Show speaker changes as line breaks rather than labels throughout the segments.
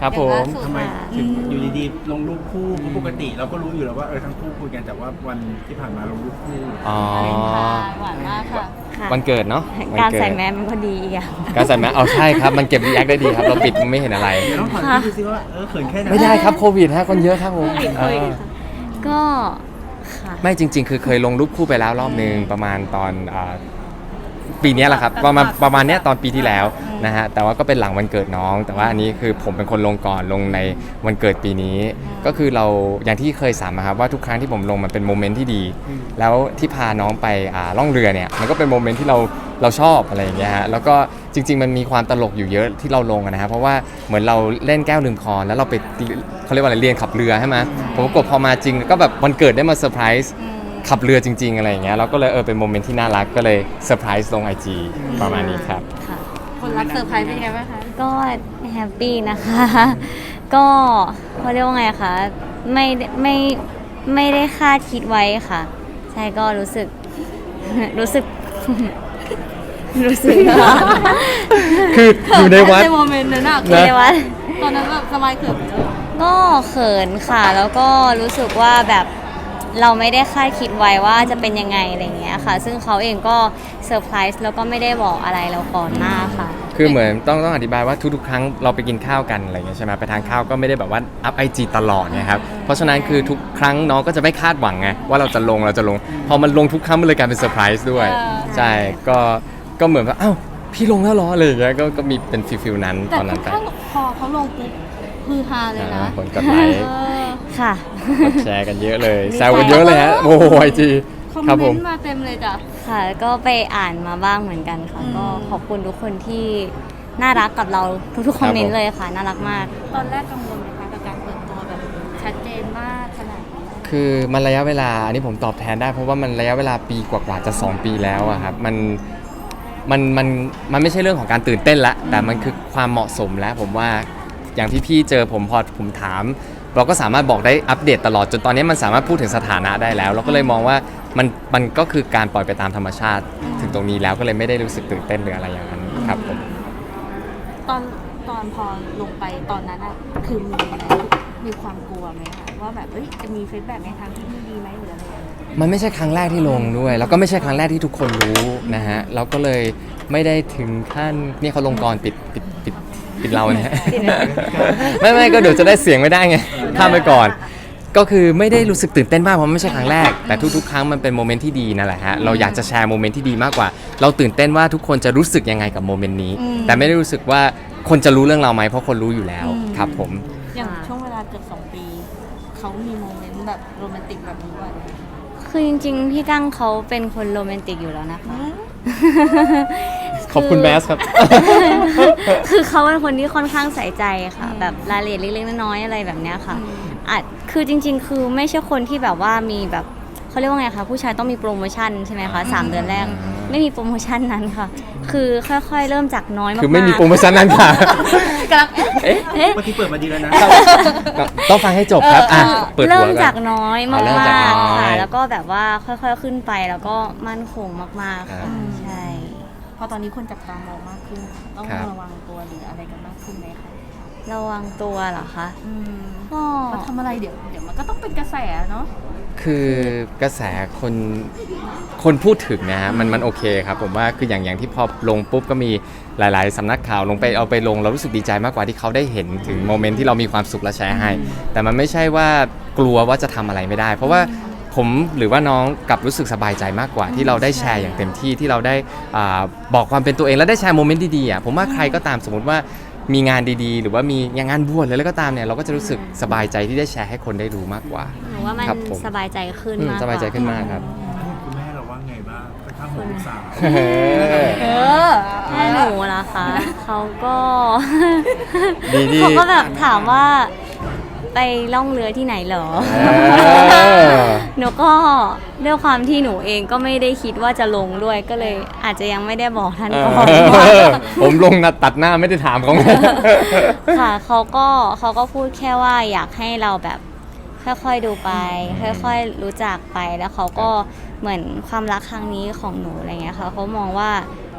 ครับผม
ทำไมถึงอยู่ดีๆลงรูปคู่เพราะปกติเราก็รู้อยู่แล้วว่าทั้งคู่คุยกันแต่ว่าวันที่ผ่านมาลงรูปคู่
อ๋อ
หวานมากค่ะ
ค่ะ
วันเกิดเนาะวัน
การ
เกิด
ใส่แมสมันก็ดีอีกอย่าง
การใส่แมสเอาใช่ครับ มันเก็บรีแอคได้ดีครับ เราปิดไม่เห็นอะไร
เดี๋ยวต้องถามพี่ดูซิว่าเขินแค่ไหน
ไม่ได้ครับโควิดฮะคนเยอะครับผม
ก็ค่ะ
ไม่จริง ๆ คือเคยลงรูปคู่ไปแล้วรอบนึงประมาณตอนปีนี้แหละครับประมาณเนี้ยตอนปีที่แล้วนะฮะแต่ว่าก็เป็นหลังวันเกิดน้อง แต่ว่าอันนี้คือผมเป็นคนลงก่อนลงในวันเกิดปีนี้ ก็คือเราอย่างที่เคยสามครับว่าทุกครั้งที่ผมลงมันเป็นโมเมนต์ที่ดี แล้วที่พาน้องไปล่องเรือเนี่ยมันก็เป็นโมเมนต์ที่เราชอบอะไรอย่างเงี้ยฮะแล้วก็จริง ๆ มันมีความตลกอยู่เยอะที่เราลงนะฮะเพราะว่าเหมือนเราเล่นแก้วลืมคอนแล้วเราไปเขาเรียกว่าอะไรเรียนขับเรือใช่ไหมผมก็พอมาจริงก็แบบวันเกิดได้มาเซอร์ไพรส์ขับเรือจริงๆอะไรอย่างเงี้ยเราก็เลยเป็นโมเมนต์ที่น่ารักก็เลยเซอร์ไพรส์ลง IG ประมาณนี้ครับ
ค่ะ
คนรับเซอร์ไพรส์เป็นไงบ้างคะ
ก็แฮปปี้นะคะ ก็เขาเรียกว่าไงคะไม่ได้คาดคิดไว้ค่ะ ใช่ก็รู้สึก รู้สึก
คืออยู่ในวัด
ในโมเมนต์นั้นอะ
อยู่ในวัด
ตอนนั้นแบบสบายเขิน
ก็เขินค่ะ แล้วก็รู้สึกว่าแบบเราไม่ได้คาดคิดไว้ว่าจะเป็นยังไงอะไรอย่างเงี้ยค่ะ ซึ่งเขาเองก็เซอร์ไพรส์แล้วก็ไม่ได้บอกอะไรเราก่อนหน้าค่ะ
คือเหมือนต้องอธิบายว่าทุกๆครั้งเราไปกินข้าวกันอะไรอย่างเงี้ยใช่ไหมไปทานข้าวก็ไม่ได้แบบว่าอัพ IG ตลอดเนี่ยครับเพราะฉะนั้นคือทุกครั้งน้องก็จะไม่คาดหวังไงว่าเราจะลงพอมันลงทุกครั้งมันเลยกลายเป็นเซอร์ไพรส์ด้วยใช่ก็เหมือนว่าอ้าวพี่ลงแล้วเหรออะไรอย่างเงี้ยก็มีเป็นฟิลนั้น
แต่
ตอนนั้
ทุ
น
ก
ไป
ครั้งพอเขาลงปุ๊บฮือฮาเลยนะ
คนกดไลค์
เออ
ค่ะ
กดแชร์กันเยอะเลยแซวกันเยอะเลยฮะโอ้โหไอจี
คอม
ครับ
เม
ผม
นต์มาเต็มเลยจ้ะ
ค่ะ ก็ไปอ่านมาบ้างเหมือนกันค่ะ ก็ขอบคุณทุกคนที่น่ารักกับเราทุกๆคอมเมนต์เลยค่ะ น่ารักมาก
ตอนแรกกังวลไหมคะกับการเปิดตัวแบบชัดเจนมากขนาดนี้
คือมันระยะเวลาอันนี้ผมตอบแทนได้เพราะว่ามันระยะเวลาปีกว่าๆจะ2 ปีแล้วอะครับมันไม่ใช่เรื่องของการตื่นเต้นละแต่มันคือความเหมาะสมแล้วผมว่าอย่างพี่ๆเจอผมพอผมถาม เราก็สามารถบอกได้อัปเดตตลอดจนตอนนี้มันสามารถพูดถึงสถานะได้แล้ว เราก็เลยมองว่ามันก็คือการปล่อยไปตามธรรมชาติถึงตรงนี้แล้วก็เลยไม่ได้รู้สึกตื่นเต้นหรืออะไรอย่างนั้นครับผม
ตอนพอลงไปตอนนั้นอะคือมีความกลัวไหมคะว่าแบบจะมีฟีดแบ็กในทางที่ไม่ดีไหมหรืออะไรอย่างเงี้ย
มันไม่ใช่ครั้งแรกที่ลงด้วย แล้วก็ไม่ใช่ครั้งแรกที่ทุกคนรู้นะฮะเราก็เลยไม่ได้ถึงขั้นนี่เขาลงกรปิดเรานะฮะ ไม่ก็เดี๋ยวจะได้เสียงไม่ได้ไงข้ามไปก่อน ก็คือไม่ได้รู้สึกตื่นเต้นมากเพราะไม่ใช่ครั้งแรกแต่ทุกๆครั้งมันเป็นโมเมนต์ที่ดีนั่นแหละฮะเราอยากจะแชร์โมเมนต์ที่ดีมากกว่า เราตื่นเต้นว่าทุกคนจะรู้สึกยังไงกับโมเมนต์นี้แต่ไม่ได้รู้สึกว่าคนจะรู้เรื่องเราไหมเพราะคนรู้อยู่แล้วครับผม
อย่างช่วงเวลาเกือบ2 ปีเขามีโมเมนต์แบบโรแมนติกแบบนี้บ่อยไหม
คือจริงๆ พี่กั้งเขาเป็นคนโรแมนติกอยู่แล้วนะคะ
ขอบคุณแมสครับ
คือเขาเป็นคนที่ค่อนข้างใส่ใจค่ะ แบบรายละเอียดเล็กๆน้อยๆอะไรแบบเนี้ยค่ะคือจริงๆ คือไม่ใช่คนที่แบบว่ามีแบบเขาเรียกว่าไงคะผู้ชายต้องมีโปรโมชั่นใช่ไหมคะ3 เดือนแรกไม่มีโปรโมชั่นนั้นค่ะ คือค่อยๆเริ่มจากน้อยมากๆ
คือไม่มีโปรโมชั่นนั้นค่ะ
กำลัง
เอ๊ะ
เมื่อกี้เปิดมาดีแล้วนะ
ต้องฟังให้จบครับเปิดหัว
เริ่ม
ก่อน
จากน้อยมา
เริ่มจาก
ก
น้อย
ๆค่ะ แล้วก็แบบว่าค่อยๆขึ้นไปแล้วก็มั่นคงมากๆ
ครั
ค่ะ
บ
ใช่
พอตอนนี้คนจับตามองมากขึ้น ต้อง
ครับ
ระวังตัวหรืออะไรกันมากขึ้นไหมคะ
ระวังตัวเหรอคะ ก็
เขาทำอะไรเดี๋ยวมันก็ต้องเป็นกระแสเนาะ
คือกระแสคนพูดถึงนะฮะมันโอเคครับผมว่าคืออย่างที่พอลงปุ๊บก็มีหลายๆสำนักข่าวลงไปเอาไปลงเรารู้สึกดีใจมากกว่าที่เขาได้เห็นถึงโมเมนต์ที่เรามีความสุขและแชร์ให้ แต่มันไม่ใช่ว่ากลัวว่าจะทำอะไรไม่ได้ เพราะว่าผมหรือว่าน้องกลับรู้สึกสบายใจมากกว่าที่เราได้แชร์อย่างเต็มที่ที่เราได้บอกความเป็นตัวเองและได้แชร์โมเมนต์ดีๆอ่ะผมว่าใครก็ตามสมมติว่ามีงานดีๆ หรือว่ามีงานบวชอะไรก็ตามเนี่ยเราก็จะรู้สึกสบายใจที่ได้แชร์ให้คนได้รู้มากกว่า
หนูว่ามัน
ครับผม
สบายใจขึ้นมากกว่า
สบายใจขึ้นมากครับ
คุณแม่เราว่าไงบ้างค่อนข้างห่วงลูกสาว
แม่หนูล่ะคะเขาก็
ดี
เขาก็แบบถามว่าไปล่องเรือที่ไหนเหรอ หนูก็ด้วยความที่หนูเองก็ไม่ได้คิดว่าจะลงด้วยก็เลยอาจจะยังไม่ได้บอกท่านก่อน
ผมลงตัดหน้าไม่ได้ถามเขาไง
ค่ะเขาก็พูดแค่ว่าอยากให้เราแบบค่อยๆดูไป ค่อยๆรู้จักไปแล้วเขาก็เหมือนความรักครั้งนี้ของหนูอะไรเงี้ยค่ะเขามองว่า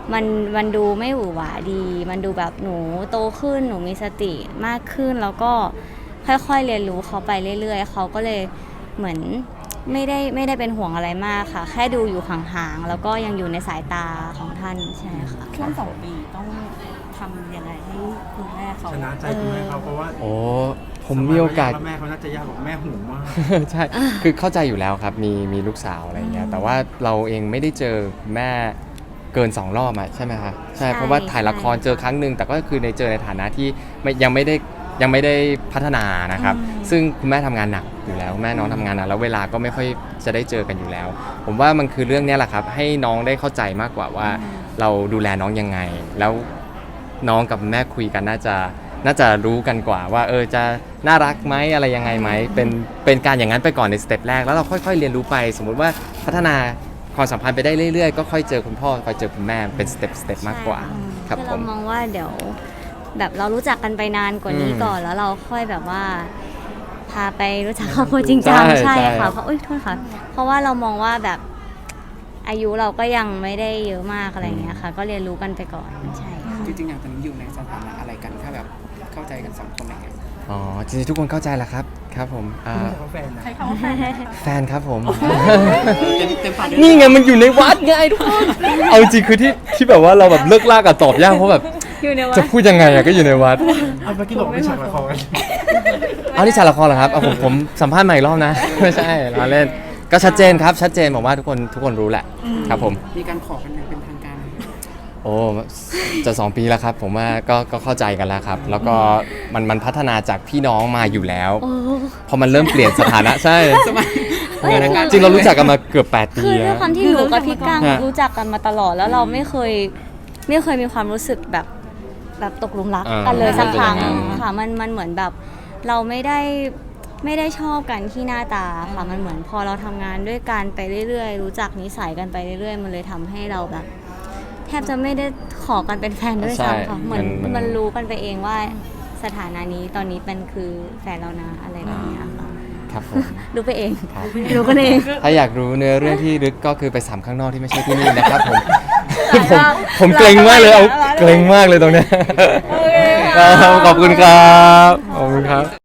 มันดูไม่หวือหวาดี มันดูแบบหนูโตขึ้นหนูมีสติมากขึ้นแล้วก็ค่อยๆเรียนรู้เขาไปเรื่อยๆเขาก็เลยเหมือนไม่ได้เป็นห่วงอะไรมากค่ะ แค่ดูอยู่ห่างๆแล้วก็ยังอยู่ในสายตาของท่านใช่ค่ะ
ช่วง2 ปีต้องทำยังไงให้คุณแม่เขา
ชนะใจคุณแม่เขาเพราะว่า
โอ้ผมมีโอกาส
แม่เขาน่าจะยากกว่าแม่หูมาก
ใช่ คือเข้าใจอยู่แล้วครับ มีลูกสาวอะไรเงี้ย แต่ว่าเราเองไม่ได้เจอแม่เกิน2 รอบอะใช่ไหมคะใช่ เพราะว่าถ่ายละครเจอครั้งหนึ่งแต่ก็คือในเจอในฐานะที่ยังไม่ได้พัฒนานะครับ ซึ่งคุณแม่ทำงานหนักอยู่แล้ว แม่น้องทำงานหนักแล้วเวลาก็ไม่ค่อยจะได้เจอกันอยู่แล้ว ผมว่ามันคือเรื่องเนี้ยแหละครับ ให้น้องได้เข้าใจมากกว่าว่าเราดูแลน้องยังไง แล้วน้องกับแม่คุยกันน่าจะรู้กันกว่าว่าจะน่ารักไหมอะไรยังไงไหมเป็นการอย่างนั้นไปก่อนในสเต็ปแรกแล้วเราค่อยๆเรียนรู้ไป สมมุติว่าพัฒนาความสัมพันธ์ไปได้เรื่อยๆก็ค่อยเจอคุณพ่อค่อยเจอคุณแม่เป็นสเต็ปมากกว่าครับ
คือ
ผ
เรา
ม
มองว่าเดี๋ยวแบบเรารู้จักกันไปนานกว่านี้ก่อนแล้วเราค่อยแบบว่าพาไปรู้จักครอบครัวจริงจัง
ใช่
ใช่
ใช่
ค่ะเพราะโทษค่ะ เพราะว่าเรามองว่าแบบอายุเราก็ยังไม่ได้เยอะมากอะไรอย่างเงี้ยค่ะ ก็เรียนรู้กันไปก่อนใช่ค่ะ
จริงๆอย่างตอนนี้อยู่ในสถานะอะไรกันถ้าแบบเข้าใจกัน2 คนอะไรเงี้ย
อ๋อจริงๆทุกคนเข้าใจแล้วครับครับผม
เขาแฟนนะ
ใช้คำว่าแฟนนะคะ
แฟนครับผม
เต็มปากเลย
นี่ไงมันอยู่ในวัดไงทุกคนเอาจริงคือที่แบบว่าเราแบบเลิกลากกับตอบยากเพราะแบบ
อยู่ในวั
จะ
ด
พูดยังไงอะก็อยู่ในวัด
เอาเมื่อกี้บอกไม่ฉากละคร
เอานี่ฉากละครเหรอครับเอาผมสัมภาษณ์ใหม่อีกรอบนะ ไม่ใช่เราเล่นก็ชัดเจนครับชัดเจนผมว่าทุกคนรู้แหละครับผม
มีการขอกันอย่างเป็นทางการไหม
โอ้จะ2 ปีแล้วครับผมว่าก็เข้าใจกันแล้วครับ แล้วก็มันพัฒนาจากพี่น้องมาอยู่แล้ว
โอ้
พอมันเริ่มเปลี่ยนสถานะใช่
สมัย
โอ้จริงเรารู้จักกันมาเกือบ8 ปี
คือด้วย
แล้ว
ความที่หนูกับพี่ก้าง
ฮะ
รู้จักกันมาตลอดแล้วเราไม่เคยมีความรู้สึกแบบตกหลุมรักกันเลยสักครั้งค่ะมันเหมือนแบบเราไม่ได้ชอบกันที่หน้าตาค่ะมันเหมือนพอเราทำงานด้วยกันไปเรื่อยๆรู้จักนิสัยกันไปเรื่อยๆมันเลยทำให้เราแบบ แทบจะไม่ได้ขอกันเป็นแฟนด้วยซ้ำค่ะเหมือนมันรู้กันไปเองว่าสถานะนี้ตอนนี้เป็นคือแฟนเรานะอะไรแบบเนี้ยค่ะ
ครับผม
รู้ไปเอง
ครับ
รู้กันเอง
ถ้าอยากรู้เนื้อเรื่องที่ลึกก็คือไป3ข้างนอกที่ไม่ใช่ที่นี่นะครับผม ผมเกรงมากเลยเอาเกรงมากเลยตรงเนี้ยครับขอบคุณครับขอบคุณครับ